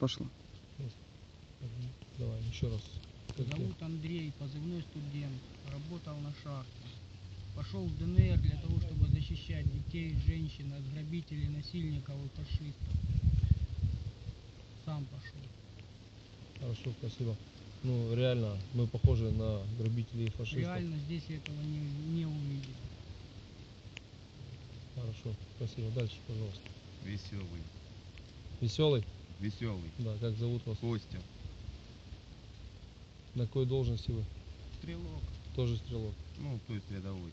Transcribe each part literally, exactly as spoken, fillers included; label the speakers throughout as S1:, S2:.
S1: пошло.
S2: Давай, еще раз.
S3: Зовут Андрей, позывной студент, работал на шахте. Пошел в ДНР для того, чтобы защищать детей, женщин от грабителей, насильников и фашистов. Сам пошел.
S2: Хорошо, спасибо. Ну, реально, мы похожи на грабителей и фашистов.
S3: Реально здесь этого не, не увидел.
S2: Хорошо, спасибо. Дальше, пожалуйста.
S4: Веселый.
S2: Веселый?
S4: Веселый.
S2: Да, как зовут вас?
S4: Костя.
S2: На какой должности вы?
S4: Стрелок.
S2: Тоже стрелок.
S4: Ну, то есть рядовой.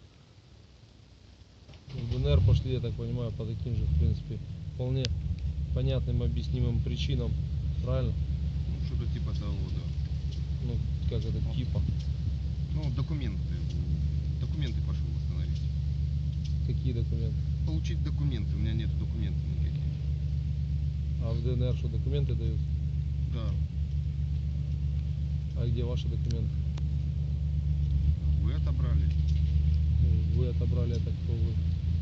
S2: В ДНР пошли, я так понимаю, по таким же, в принципе, вполне понятным, объяснимым причинам. Правильно?
S4: Ну, что-то типа того, да.
S2: Ну, как это, типа?
S4: Ну, документы. Документы пошел восстановить.
S2: Какие документы?
S4: Получить документы. У меня нет документов никаких.
S2: А в ДНР что, документы дают?
S4: Да.
S2: А где ваши документы?
S4: Вы отобрали?
S2: Вы отобрали, это кто вы?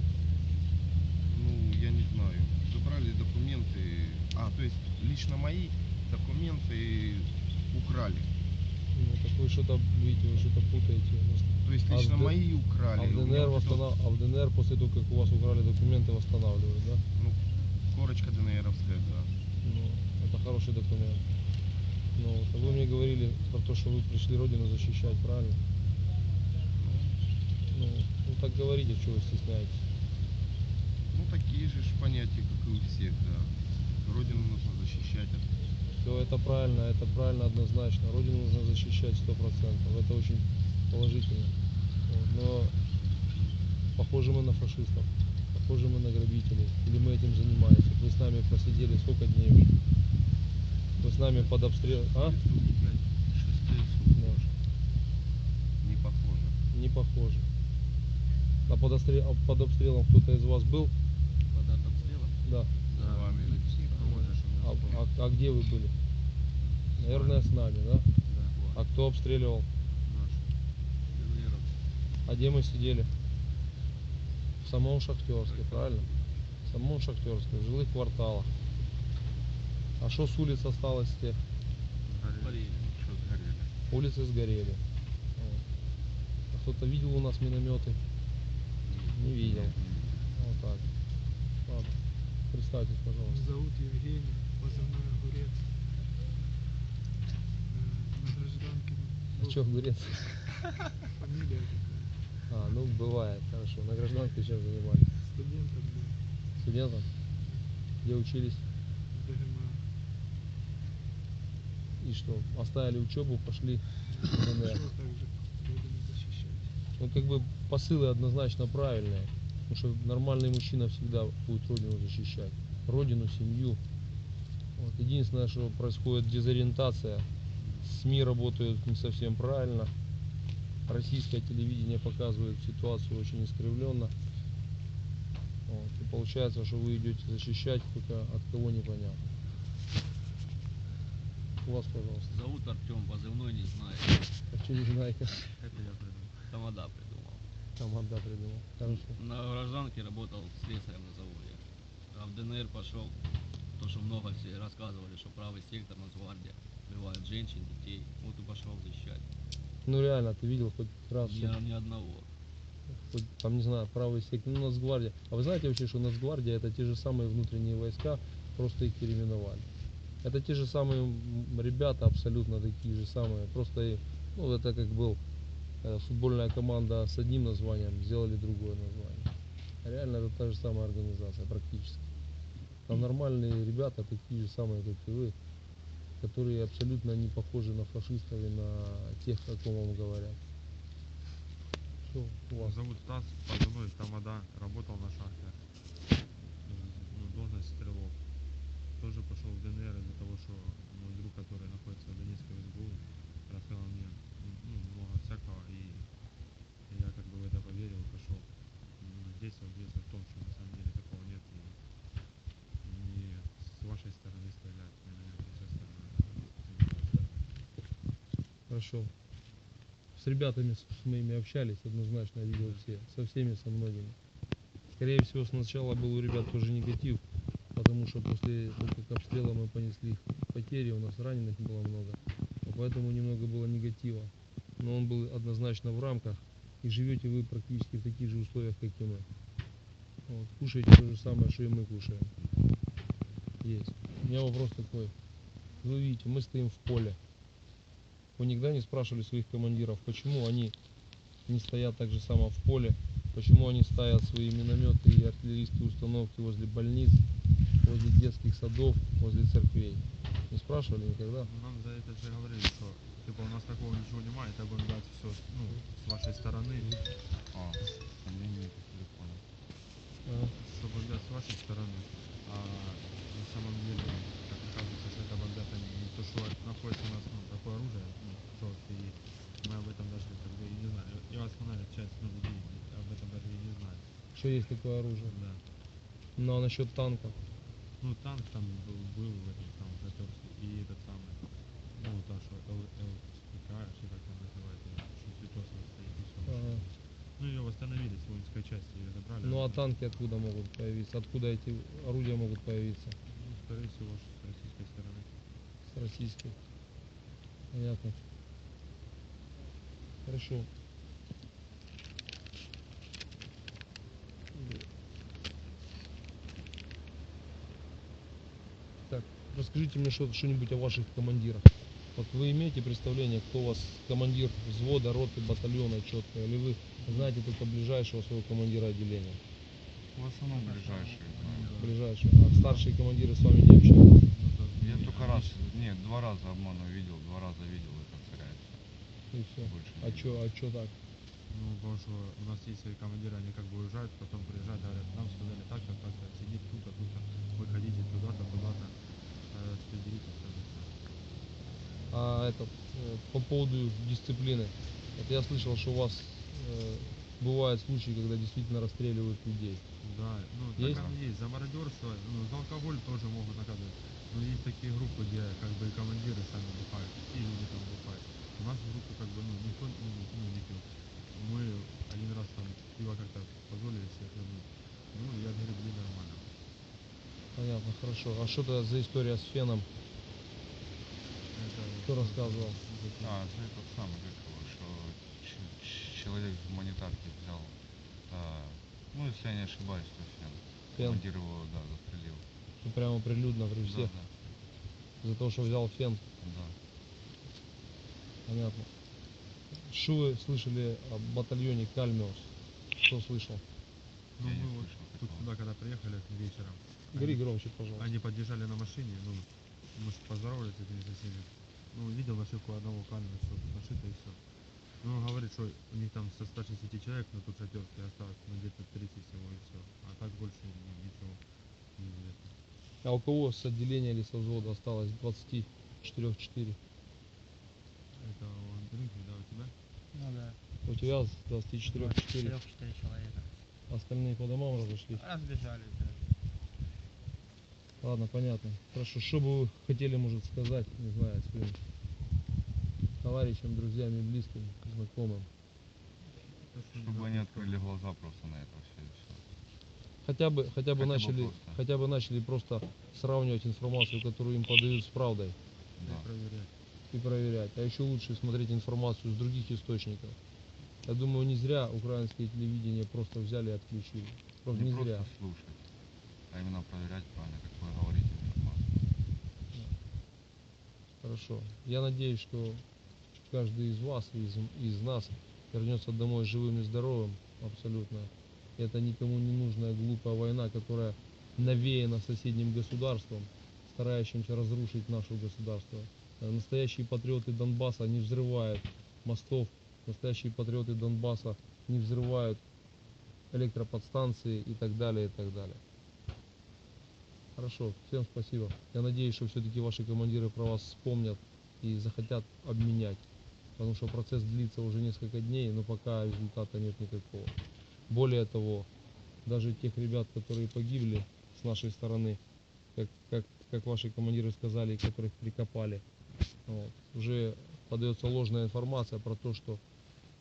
S4: Ну, я не знаю. Забрали документы. А, то есть лично мои документы украли.
S2: Ну, так вы что-то, видите, вы что-то путаете.
S4: То есть
S2: А
S4: лично
S2: в Д-
S4: мои
S2: А
S4: украли.
S2: в
S4: У меня
S2: ДНР,
S4: вот это
S2: восстанов...
S4: вот,
S2: а в ДНР после того, как у вас украли документы, восстанавливают, да?
S4: ну, корочка ДНРовская, да.
S2: Ну, это хороший документ. Ну, вот, а вы мне говорили про то, что вы пришли Родину защищать, правильно? Ну, ну так говорите, чего вы стесняетесь.
S4: Ну, такие же ж понятия, как и у всех, да. Родину нужно защищать.
S2: Все это правильно, это правильно однозначно. Родину нужно защищать сто процентов. Это очень положительно. Вот, но похожи мы на фашистов, похожи мы на грабителей. Или мы этим занимаемся. Вы с нами просидели сколько дней уже? Вы с нами под обстрел... А? Да.
S4: Не похоже.
S2: Не похоже. А под, обстрел... а под обстрелом кто-то из вас был?
S3: Под обстрелом?
S2: Да.
S4: С вами.
S2: А, а, а где вы были? Наверное, с нами, да? А кто обстреливал? А где мы сидели? В самом Шахтерске, правильно? В самом Шахтерске, в жилых кварталах. А что с улиц осталось с тех?
S4: Сгорели. Что сгорели?
S2: Улицы сгорели. Вот. А кто-то видел у нас минометы? Не видел. Вот так. Ладно. Представьтесь, пожалуйста.
S5: Зовут Евгений, позывной Огурец. Э, На гражданке.
S2: А
S5: был-
S2: что, огурец?
S5: Фамилия такая.
S2: А, ну бывает, хорошо. На гражданке чем занимались?
S5: Студентом был.
S2: Студентом? Где учились?
S5: В ДГМА.
S2: И что? Оставили учебу, пошли в ДНР.
S5: Пошел также Родину защищать.
S2: Ну, как бы посылы однозначно правильные. Потому что нормальный мужчина всегда будет Родину защищать. Родину, семью. Вот. Единственное, что происходит дезориентация. СМИ работают не совсем правильно. Российское телевидение показывает ситуацию очень искривленно. Вот. И получается, что вы идете защищать, только от кого непонятно. У вас, пожалуйста.
S6: Зовут Артем, позывной не знаю.
S2: А что не знаете?
S6: Это я придумал. Тамада придумал.
S2: Команда придумал. Хорошо.
S6: На гражданке работал слесарем на заводе. А в ДНР пошел, то что много все рассказывали, что правый сектор, Нацгвардия, убивают женщин, детей. Вот и пошел защищать.
S2: Ну реально, ты видел хоть раз,
S6: Ни,
S2: что-
S6: ни одного.
S2: хоть, там, не знаю, правый сектор, ну, Нацгвардия. А вы знаете вообще, что Нацгвардия это те же самые внутренние войска, просто их переименовали. Это те же самые м, ребята, абсолютно такие же самые. Просто, и- ну, это как был э, футбольная команда с одним названием, сделали другое название. А реально это та же самая организация, практически. Там нормальные ребята, такие же самые, как и вы, которые абсолютно не похожи на фашистов и на тех, о ком вам говорят. Что у вас?
S7: Зовут Стас, позывной Тамада, работал на шахте. Ну, должность стрелок. Тоже пошел в ДНР из-за того, что мой друг, который находится в Донецкой в СБУ, рассказал мне ну, много всякого, и я как бы в это поверил и пошел. Ну, здесь убедился в том, что на самом деле такого нет, и не с вашей стороны стреляют, мне, наверное, со стороны.
S2: Хорошо. С ребятами с моими общались, однозначно видел все. Со всеми, со многими. Скорее всего, сначала был у ребят тоже негатив, потому что после того, как обстрела мы понесли потери, у нас раненых было много, а поэтому немного было негатива. Но он был однозначно в рамках, и живете вы практически в таких же условиях, как и мы. Вот, кушаете то же самое, что и мы кушаем. Есть. У меня вопрос такой. Вы видите, мы стоим в поле. Вы никогда не спрашивали своих командиров, почему они не стоят так же само в поле, почему они ставят свои минометы и артиллерийские установки возле больниц, возле детских садов, возле церквей? Не спрашивали никогда?
S7: Нам за это же говорили, что типа у нас такого ничего немає, это будем дать все, ну, с вашей стороны,
S4: А, линии не понял.
S2: А,
S7: что бомбят с вашей стороны, а на самом деле, как оказывается, что это бомбят они не то, что находится у нас, ну, такое оружие, ну, жестко, и мы об этом даже как бы и не знали. И основная часть, ну, людей об этом даже и не знает.
S2: что есть такое оружие?
S7: Да.
S2: Ну а насчет танков?
S7: Ну, танк там был, был в этом самом Хаперске, и этот самый, ну, та, что Л, Л, ПК, что как там называется, что Святосова стоит, и все.
S2: Ага.
S7: Ну, ее восстановили с воинской части, ее забрали.
S2: Ну а
S7: она-
S2: танки откуда могут появиться? Откуда эти орудия могут появиться?
S7: Ну, скорее всего, что с российской стороны.
S2: С российской. Понятно. Хорошо. Так, расскажите мне что- что-нибудь о ваших командирах. Вот вы имеете представление, кто у вас командир взвода, роты, батальона четко, или вы знаете только ближайшего своего командира отделения?
S4: В основном ближайшие знаю.
S2: Ближайшего. А старшие командиры с вами не общаются?
S7: Ну, так,
S4: Я
S7: не-
S4: только
S7: они
S4: раз,
S7: ж-
S4: нет, два раза обману видел, два раза видел это царя.
S2: И все.
S4: Больше
S2: А
S4: не
S2: что, а что так?
S7: Ну, потому что у нас есть свои командиры, они как бы уезжают, потом приезжают, говорят, нам сказали так-то, так-то, сидеть тут-то, тут-то, вы ходите туда-то, туда-то, распределитесь там и все.
S2: А этот, э, по поводу дисциплины. Вот я слышал, что у вас э, бывают случаи, когда действительно расстреливают людей.
S7: Да, ну,
S2: Есть?
S7: так оно есть, за мародерство, ну, за алкоголь тоже могут наказывать. Но есть такие группы, где как бы и командиры сами бухают, и люди там бухают. У нас в группе как бы, ну, никто ну, не, ну, не пьет. Мы один раз там пиво как-то позволили себе хлебнуть. Ну, я говорю, блин, нормально.
S2: Понятно, хорошо. А что это за история с феном?
S7: Это
S2: Кто
S7: вот,
S2: рассказывал?
S7: за-
S4: А, это этот самый, как его, что ч- ч- человек в гуманитарке взял, а, ну, если я не ошибаюсь, то фен.
S2: Фен?
S4: Командир его, да, застрелил.
S2: Ну, прямо прилюдно при всех.
S4: Да,
S2: За то, что взял фен.
S4: да, да.
S2: Понятно. Что вы слышали о батальоне Кальмиус? Кто слышал?
S7: Ну,
S4: Я не
S7: мы вот
S4: слышал
S7: тут
S4: такого.
S7: сюда, когда приехали вечером,
S2: Говори
S7: они,
S2: громче, пожалуйста.
S7: они подъезжали на машине, ну, мы ж поздоровались с этими соседями. Ну, видел нашивку одного камня, все тут нашито и все. Ну, он говорит, что у них там со ста шестидесяти человек, но тут шатерки осталось, ну, где-то тридцать всего и все. А так больше ни- ничего не известно.
S2: А у кого с отделения или со взвода осталось двадцать четыре четыре?
S7: Это у Андрюхи, да, у тебя?
S3: Ну да,
S2: У тебя с двадцать четыре четыре.
S3: четыре человека.
S2: Остальные по домам разошлись.
S3: Разбежались, да.
S2: Ладно, понятно. Хорошо. Что бы вы хотели, может, сказать, не знаю, своим товарищам, друзьям и близким, знакомым?
S7: То, что
S4: Чтобы
S7: не
S4: они
S7: надо
S4: открыли глаза просто на это все и все.
S2: Хотя бы, хотя бы
S4: Хотя бы
S2: начали,
S4: просто.
S2: хотя бы начали просто сравнивать информацию, которую им подают, с правдой
S7: и
S4: Да.
S7: проверять.
S2: и проверять. А еще лучше смотреть информацию с других источников. Я думаю, не зря украинское телевидение просто взяли и отключили. Просто
S4: Не
S2: не
S4: просто
S2: зря.
S4: слушать, а именно проверять правильно, как вы говорите, информацию.
S2: Хорошо. Я надеюсь, что каждый из вас, из, из нас вернется домой живым и здоровым, абсолютно. Это никому не нужная глупая война, которая навеяна соседним государством, старающимся разрушить наше государство. Э, Настоящие патриоты Донбасса не взрывают мостов, настоящие патриоты Донбасса не взрывают электроподстанции и так далее, и так далее. Хорошо, всем спасибо. Я надеюсь, что все-таки ваши командиры про вас вспомнят и захотят обменять. Потому что процесс длится уже несколько дней, но пока результата нет никакого. Более того, даже тех ребят, которые погибли с нашей стороны, как, как, как ваши командиры сказали, которых прикопали, вот, уже подается ложная информация про то, что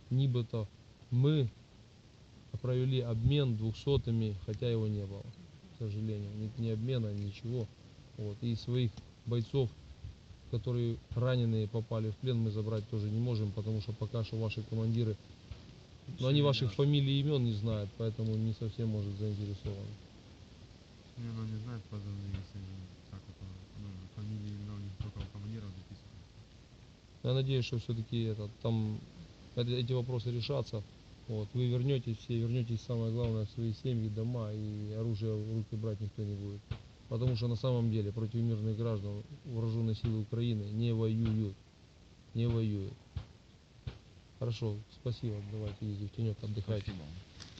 S2: нибито мы провели обмен двухсотыми, хотя его не было. к сожалению. Нет ни обмена, ничего. Вот. И своих бойцов, которые раненые попали в плен, мы забрать тоже не можем, потому что пока что ваши командиры, но они ваших фамилий и имен не знают, поэтому не совсем может заинтересованы.
S7: Не, ну не знает позывные, если так это, ну, фамилии, имена у них только у командиров записаны.
S2: Я надеюсь, что все-таки это, там это- эти вопросы решатся. Вот. Вы вернетесь все, вернетесь, самое главное, в свои семьи, дома, и оружие в руки брать никто не будет. Потому что на самом деле против мирных граждан вооруженные силы Украины не воюют. Не воюют. Хорошо, спасибо. Давайте ездите в тенек, отдыхайте.
S4: Спасибо.